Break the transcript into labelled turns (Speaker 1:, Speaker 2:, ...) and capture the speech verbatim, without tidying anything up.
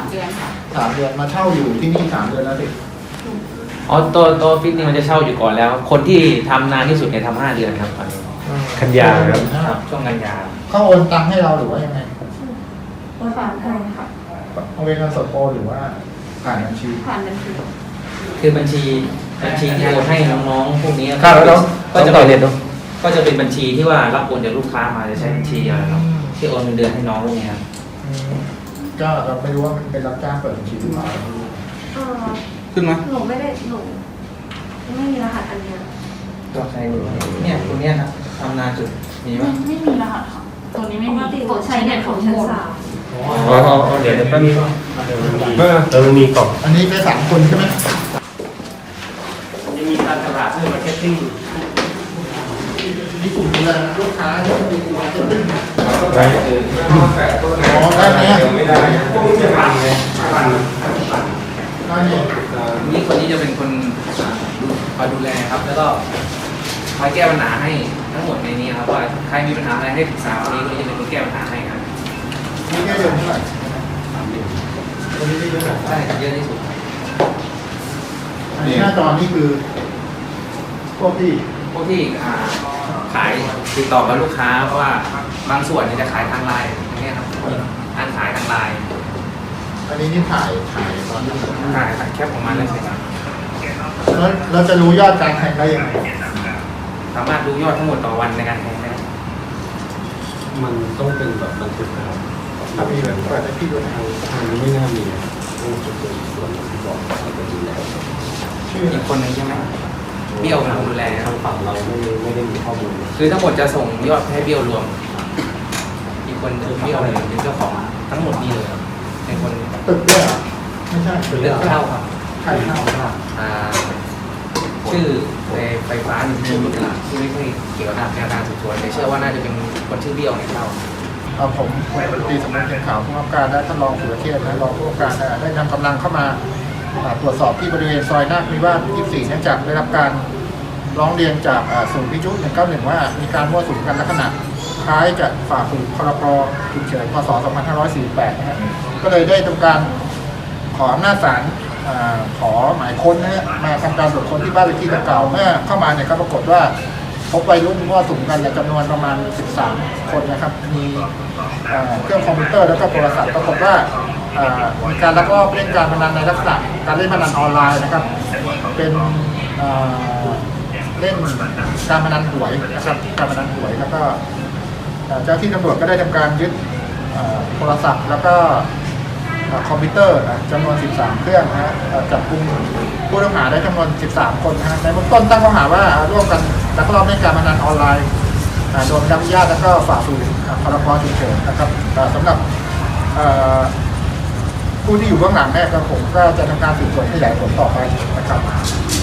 Speaker 1: เดือนค่ะ
Speaker 2: สามเดือนมาเช่าอยู่ที่นี่สามเดือนแล้วสิ
Speaker 3: อ๋อตัวตัวฟิตนี่มันจะเช่าอยู่ก่อนแล้ว คนที่ทำนานที่สุดเนี่ยทำห้าเดือนครับตอนนี้
Speaker 4: กันยาครับ
Speaker 3: ช่วงกันยา
Speaker 2: เขาโอนตังค์ให้เราหรือว่ายังไง
Speaker 1: โอนผ่านให้ค่ะ
Speaker 2: เอาเป็นเงินสดโอนหรือว่าผ่านบัญชี
Speaker 1: ผ่านบัญชี
Speaker 3: คือบัญชีบัญชีที่โอนให้น้องๆพวกนี้
Speaker 4: ครับแล้ว
Speaker 3: ก็
Speaker 4: ต้อง
Speaker 3: จะ
Speaker 4: ต่อ
Speaker 3: เป็น
Speaker 4: เรียนดู
Speaker 3: ก็จะเป็นบัญชีที่ว่ารับโอนจากลูกค้ามาจะใช้บัญชีอะไรเนาะที่โอนเงินเดือนให้น้องพวกนี้ครับ
Speaker 2: อืมก็เราไม่รู้ว่ามันเป็นรับจ้างเปิดบัญชีหรือเปล่า
Speaker 1: เออ
Speaker 3: ขึ้นไหม
Speaker 1: หนูไม่ได้หนูไม่มีรหัสอันเนี้ย
Speaker 3: ก็ใช้เนี่ยตัวเนี้ยนะทำนานสุดมีไหม
Speaker 5: ไม่มีรหัสค่ะตัวนี้
Speaker 1: ป
Speaker 5: ไม่
Speaker 1: ก
Speaker 5: มี
Speaker 1: ติหนูใช้เน็ตของชั้นสาม
Speaker 4: อ๋ออ๋อเดี๋ยวเดี๋ยวแป๊บนึงเออเออมันมีกล่อง
Speaker 2: อันนี้ได้สามคนใช่ไหม
Speaker 3: จะมีการตลาดเพื่อมาร์เก็ตติ้ง
Speaker 2: มีกลุ่มดูแลลูกค้าที่มีกลุ่มมาร์เก็ตติ้ง
Speaker 4: ได้
Speaker 2: อ๋อได้ไหมอ่ะ
Speaker 4: ไม่ได้พวกนี้ปั่นไงปั่น
Speaker 2: ได้เนี่ย
Speaker 3: นี่คนนี้จะเป็นคนคอยดูแลครับ แล้วก็คอยแก้ปัญหาให้ทั้งหมดในนี้ครับว่าใครมีปัญหาอะไรให้ปรึกษาคนนี้คนนี้จะเป็นคนแก้ปัญหาให้ครับ
Speaker 2: นี่แค่เดือนเท่าไหร่วันนี้ได้เยอะ
Speaker 3: ใช่ครับเยอะที่สุด
Speaker 2: อันนี้หน้าจอนี่คือ พวกที่
Speaker 3: พวกที่อ่าขายติดต่อกับลูกค้าเพราะว่าบางส่วนเนี่ยจะขายทางไลน์อย่างเงี้ยครับการขายทางไลน์
Speaker 2: อันนี้นี่ถ่ายถ่ายตอนที่
Speaker 3: ขายขายแคปออกมาเลยใช่ครับ
Speaker 2: แล้วเราจะรู้ยอดการแทงได้ยังไง
Speaker 3: สามารถดูยอดทั้งหมดต่อวันในการแทงได้
Speaker 4: มันต้องเป็นแบบบันทึกนะครับ
Speaker 2: ถ้ามีแบบเปิดให้พี่ดูหนะ
Speaker 4: ทางนี้ไม่น่ามีต้องจุดเป็นส่วนที่บอกว่าเป็นดูแล
Speaker 2: ชื่อ
Speaker 3: อีกคนหนึงใช่ไหมเบี้ยวเป็นคนดูแล
Speaker 4: ทางฝั่งเราไม่ไม่ได้มีข้อมูล
Speaker 3: คือทั้งหมดจะส่งยอดให้เบี้ยวรวม อีกคนคือเบี้ยวเลยเป็นเจ้าของทั้งหมดนี่เลยครับเป็นคน
Speaker 2: ตึกด้วยเหรอไม่ใช่ตึก
Speaker 3: เลือกเข้าครับ
Speaker 2: ใครเข้า
Speaker 3: อ่าชื่อไฟฟ้าหนึ่งชื่อตลาดที่ไม่ใช่เกี่ยวกับแนวทางสืบสวนแต่เชื่อว่าน่าจะเป็นคนชื่อเบี้ยวเนี่ยเข้า
Speaker 2: เอาผมผมตีสำนักเขียนข่าวผู้กำกับการและท่านรองสุรเชษฐ์และรองผู้กำกับการได้นำกำลังเข้ามาอ่าตรวจสอบที่บริเวณซอยนาคนิวาสยี่สิบสี่เนื่องจากได้รับการร้องเรียนจากอ่าศูนย์วิทยุหนึ่งเก้าหนึ่งว่ามีการมั่วสุมกันลักษณะคล้ายจะฝ่าฝืนพรบฉุกเฉินพศสองพันห้าร้อยสี่สิบแปดนะฮะก็เลยได้ทำการขออำนาจศาลอ่าขอหมายค้นนะฮะมาทำการตรวจค้นที่บ้านเลขที่ดังกล่าวเมื่อเข้ามาเนี่ยก็ปรากฏว่าพบวัยรุ่นมั่วสุมกันเนี่ยจำนวนประมาณสิบสามคนนะครับมีเอ่อเครื่องคอมพิวเตอร์แล้วก็โทรศัพท์ปรากฏว่าเอ่อมีการลักลอบเล่นการพนันในลักษณะการเล่นพนันออนไลน์นะครับเป็นเอ่อเล่นการพนันหวยนะครับการพนันหวยแล้วก็เอ่อเจ้าที่ตำรวจก็ได้ทำการยึดเอ่อโทรศัพท์แล้วก็เอ่อคอมพิวเตอร์นะจำนวนสิบสามเครื่องนะฮะเอ่อจับกุมผู้ต้องหาได้จำนวนสิบสามคนนะฮะในเบื้องต้นตั้งข้อหาว่าร่วมกันลักลอบเล่นการพนันออนไลน์อ่าโดยไม่ได้รับอนุญาตแล้วก็ฝ่าฝืนอ่าพรบฉุกเฉินนะครับเอ่อสำหรับเอ่อผู้ที่อยู่เบื้องหลังเนี่ยก็ผมก็จะทำการสืบสวนขยายผลต่อไปนะครับ